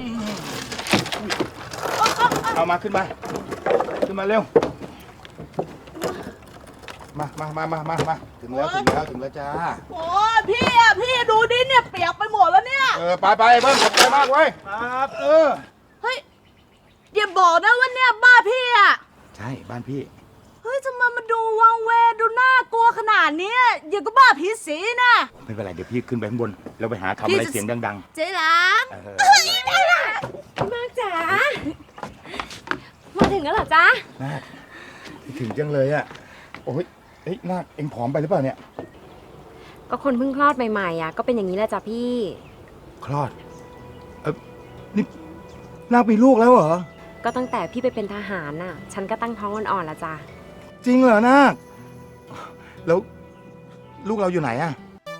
เอามาขึ้นมาเร็วมาถึงแล้วจ้าโอ้พี่ดูดิเนี่ยเปียกไปหมดแล้วเนี่ยไปเบิ้มขอบใจมากเว้ยครับเฮ้ยอย่าบอกนะว่าเนี่ยบ้านพี่อ่ะใช่บ้านพี่เฮ้ยทำไมมันดูวังเวดูน่ากลัวขนาดนี้อย่างก็บ้าผีสินะไม่เป็นไรเดี๋ยวพี่ขึ้นไปข้างบนแล้วไปหาทำอะไรเสียงดังๆเจ๊ล้างมากจ๋ามาถึงแล้วเหรอจ๊ะนาคถึงจังเลยอ่ะโอ้ยนาคเอ็งผอมไปหรือเปล่าเนี่ยก็คนเพิ่งคลอดใหม่ๆอ่ะก็เป็นอย่างนี้แหละจ้ะพี่คลอดนี่นาคมีลูกแล้วเหรอก็ตั้งแต่พี่ไปเป็นทหารน่ะฉันก็ตั้งท้องอ่อนๆแล้วจ้ะจริงเหรอนาคแล้วลูกเราอยู่ไหนอ่ะ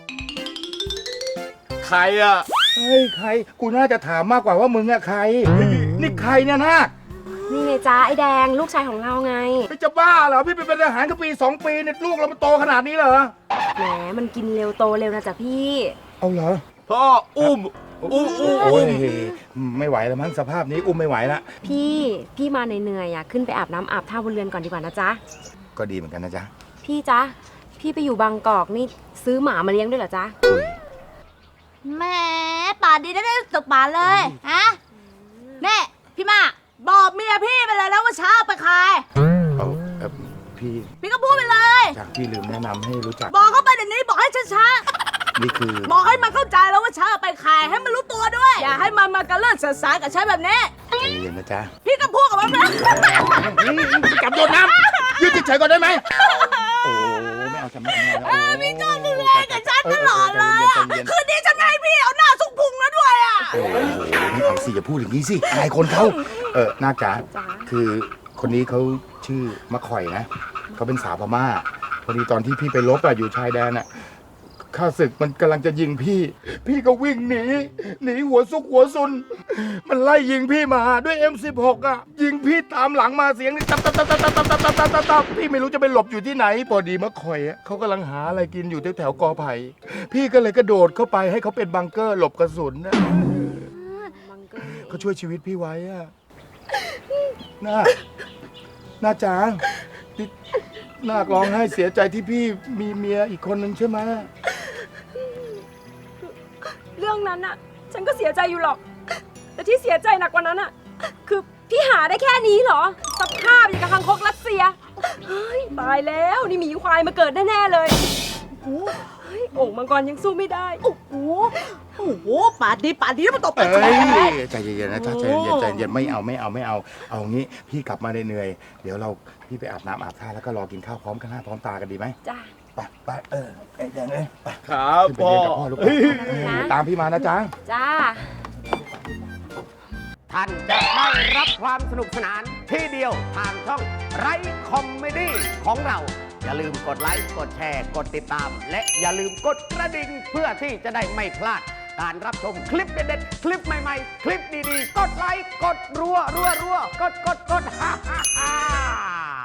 ใครอ่ะเฮ้ยใครกูน่าจะถามมากกว่าว่ามึงอะใครนี่ใครเนี่ยนาคนี่ไงจ้าไอ้แดงลูกชายของเราไงจะบ้าเหรอพี่ไปเป็นทหารก็ปี2 ปีเนี่ยลูกเรามันโตขนาดนี้เหรอแหมมันกินเร็วโตเร็วนะจ๊ะพี่เอาเหรอพ่ออุ้มโอ้ยไม่ไหวแล้วมั้งสภาพนี้อุ้มไม่ไหวละพี่มาเหนื่อยๆอ่ะขึ้นไปอาบน้ำอาบท่าบนเรือนก่อนดีกว่านะจ๊ะก็ดีเหมือนกันนะจ๊ะพี่จ๊ะพี่ไปอยู่บางกอกนี่ซื้อหมามาเลี้ยงด้วยเหรอจ๊ะแม่ป่านดีได้ตกป่าเลยฮะแม่พี่มาบอกเมียพี่ไปเลยแล้วว่าเช้าไปใครเอาพี่ก็พูดไปเลยจากพี่ลืมแนะนำให้รู้จักบอกเขาไปเดี๋ยวนี้บอกให้ช้านี่คือบอกให้มันเข้าใจแล้วว่าเช้าไปใครให้มันรู้ตัวด้วยอย่าให้มันมากระเลิกสื่อสารกับฉันแบบนี้ใจเย็นนะจ๊ะพี่ก็พูดกับมันนะจับโดนน้ำยืดเฉยก่อนได้ไหมโอ้ไม่เอาจำไม่เอาพี่ก็ดูแลกับฉันตลอดเลยคืนนี้ฉันให้พี่เอาหน้าสุกพุงแล้วด้วยอ่ะโอ้ไม่เอาสิอย่าพูดอย่างนี้สิอายคนเขานาคจ๋าคือคนนี้เขาชื่อมะข่อยนะเขาเป็นสาวพม่าพอดีตอนที่พี่ไปรบอยู่ชายแดนข้าศึกมันกำลังจะยิงพี่ก็วิ่งหนีหัวซุกหัวซุนมันไล่ยิงพี่มาด้วย M16 ยิงพี่ตามหลังมาเสียงนี่ตับพี่ไม่รู้จะไปหลบอยู่ที่ไหนพอดีมะข่อยเขากำลังหาอะไรกินอยู่แถวกอไผ่พี่ก็เลยกระโดดเข้าไปให้เขาเป็นบังเกอร์หลบกระสุนเขาช่วยชีวิตพี่ไว้น่าจางนาคร้องไห้เสียใจที่พี่มีเมียอีกคนนึงใช่ไหมเรื่องนั้นน่ะฉันก็เสียใจอยู่หรอกแต่ที่เสียใจหนักกว่านั้นน่ะคือพี่หาได้แค่นี้เหรอสภาพอย่างกับคังคกรัสเซียเฮ้ยตายแล้วนี่หมีควายมาเกิดแน่ๆเลยโอ้ยโอ่งมังกรยังสู้ไม่ได้โอ้โหป่านนี้มันตบไปใจเย็นๆนะจ๊ะใจเย็นไม่เอาเอางี้พี่กลับมาเหนื่อยเดี๋ยวพี่ไปอาบน้ำอาบท่าแล้วก็รอกินข้าวพร้อมกันหน้าพร้อมตากันดีไหมจ้าไปแดงเลยครับพ่อตามพี่มานะจ๊ะจ้าท่านจะได้รับความสนุกสนานที่เดียวทางช่องไรคอมเมดี้ของเราอย่าลืมกดไลค์กดแชร์กดติดตามและอย่าลืมกดกระดิ่งเพื่อที่จะได้ไม่พลาดการรับชมคลิปเด็ดๆคลิปใหม่ๆคลิปดีๆกดไลค์กดรัวกดฮ่า